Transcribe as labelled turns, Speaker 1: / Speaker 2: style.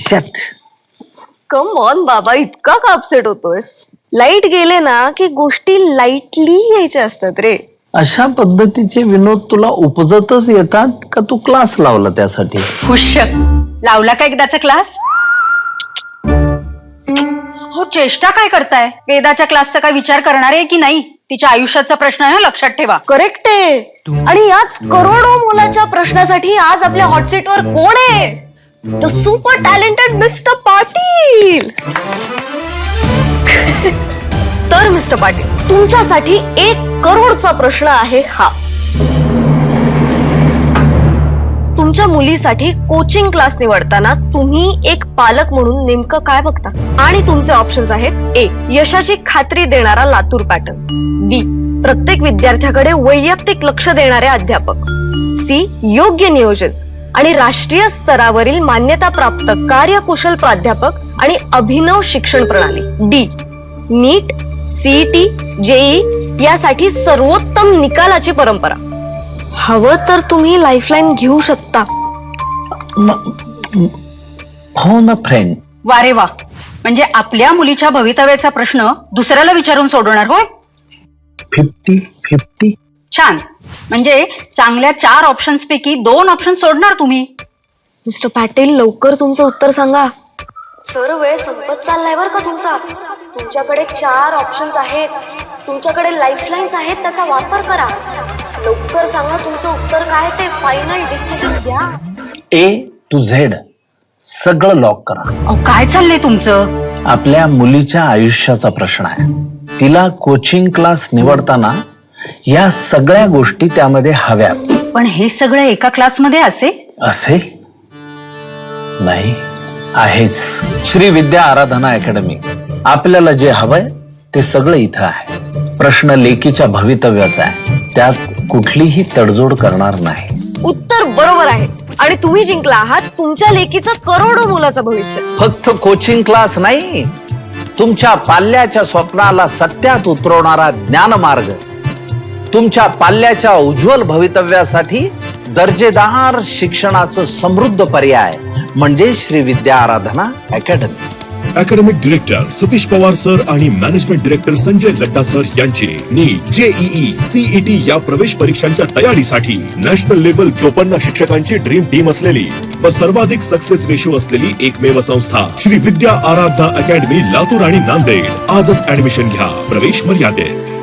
Speaker 1: Accept.
Speaker 2: Come on बाबा, इतका का अपसेट होतोयस? लाईट गेले ना की गोष्टी लाईटली घ्यायच्या असतात रे.
Speaker 1: अशा पद्धतीचे विनोद तुला उपजतच येतात का तू क्लास लावला त्यासाठी?
Speaker 3: खुश लावला का एकदाचा क्लास? हो, चेष्टा काय करताय? वेदाच्या क्लासचा काय विचार करणार आहे की नाही? तिच्या आयुष्याचा प्रश्न आहे, लक्षात ठेवा.
Speaker 2: करेक्ट आहे. आणि याच करोडो मुलाच्या प्रश्नासाठी आज आपल्या हॉटसीटवर कोण आहे? The super talented mister Patil. तर मिस्टर पाटील, तुमच्यासाठी 1 करोडचा प्रश्न आहे हा. तुमच्या मुलीसाठी कोचिंग क्लास निवडताना तुम्ही एक पालक म्हणून नेमकं काय बघता? आणि तुमचे ऑप्शन्स आहेत: ए, यशाची खात्री देणारा लातूर पॅटर्न; बी, प्रत्येक विद्यार्थ्याकडे वैयक्तिक लक्ष देणारे अध्यापक; सी, योग्य नियोजन आणि राष्ट्रीय स्तरावरील मान्यताप्राप्त कार्यकुशल प्राध्यापक आणि अभिनव शिक्षण प्रणाली; डी, नीट, सीईटी, जेई यासाठी सर्वोत्तम निकालाची परंपरा. हवं तर तुम्ही लाईफलाईन घेऊ शकता.
Speaker 1: हो ना फ्रेंड.
Speaker 3: वारे वा, म्हणजे आपल्या मुलीच्या भवितव्याचा प्रश्न दुसऱ्याला विचारून सोडवणार होय?
Speaker 1: 50-50.
Speaker 3: छान. म्हणजे चांगल्या 4 ऑप्शन्स पैकी 2 ऑप्शन सोडणार तुम्ही.
Speaker 2: मिस्टर पाटील, लवकर तुमचं उत्तर सांगा. सर, वेळ संपत चाललाय बर का तुमचा. तुमच्याकडे 4 ऑप्शन्स आहेत, तुमच्याकडे लाईफलाईन्स आहेत, त्याचा वापर करा. लवकर सांगा तुमचं उत्तर काय ते. फायनल डिसिजन घ्या.
Speaker 1: A to Z सगळं लॉक करा.
Speaker 3: अहो, काय चाललंय तुमचं?
Speaker 1: आपल्या मुलीच्या आयुष्याचा प्रश्न आहे. तिला कोचिंग क्लास निवडताना या सगळ्या गोष्टी त्यामध्ये हव्यात.
Speaker 3: पण हे सगळं एका क्लासमध्ये
Speaker 1: असे नाही आहेच. श्री विद्या आराधना अकॅडमी. आपल्याला जे हवंय ते सगळं इथं आहे. प्रश्न लेकीच्या भवितव्याचा आहे, त्यात कुठलीही तडजोड करणार नाही.
Speaker 2: उत्तर बरोबर आहे आणि तुम्ही जिंकला आहात तुमच्या लेकीचं करोडो मुलाचं भविष्य.
Speaker 1: फक्त कोचिंग क्लास नाही, तुमच्या पाल्याच्या स्वप्नाला सत्यात उतरवणारा ज्ञानमार्ग. तुमच्या पाल्याच्या उज्ज्वल भवितव्यासाठी दर्जेदार शिक्षणाचं समृद्ध पर्याय म्हणजे Shri Vidya Aradhana academy.
Speaker 4: Academic director Satish Pawar sir आणि management director Sanjay Ladda sir यांची नीट, जेईई, सीईटी या प्रवेश परीक्षांच्या तयारीसाठी नॅशनल लेव्हल 54 शिक्षकांची ड्रीम टीम असलेली व सर्वाधिक सक्सेस रेशो असलेली एकमेव संस्था श्री विद्या आराधना अकॅडमी लातूर आणि नांदेड. आजच ऍडमिशन घ्या, प्रवेश मर्यादित.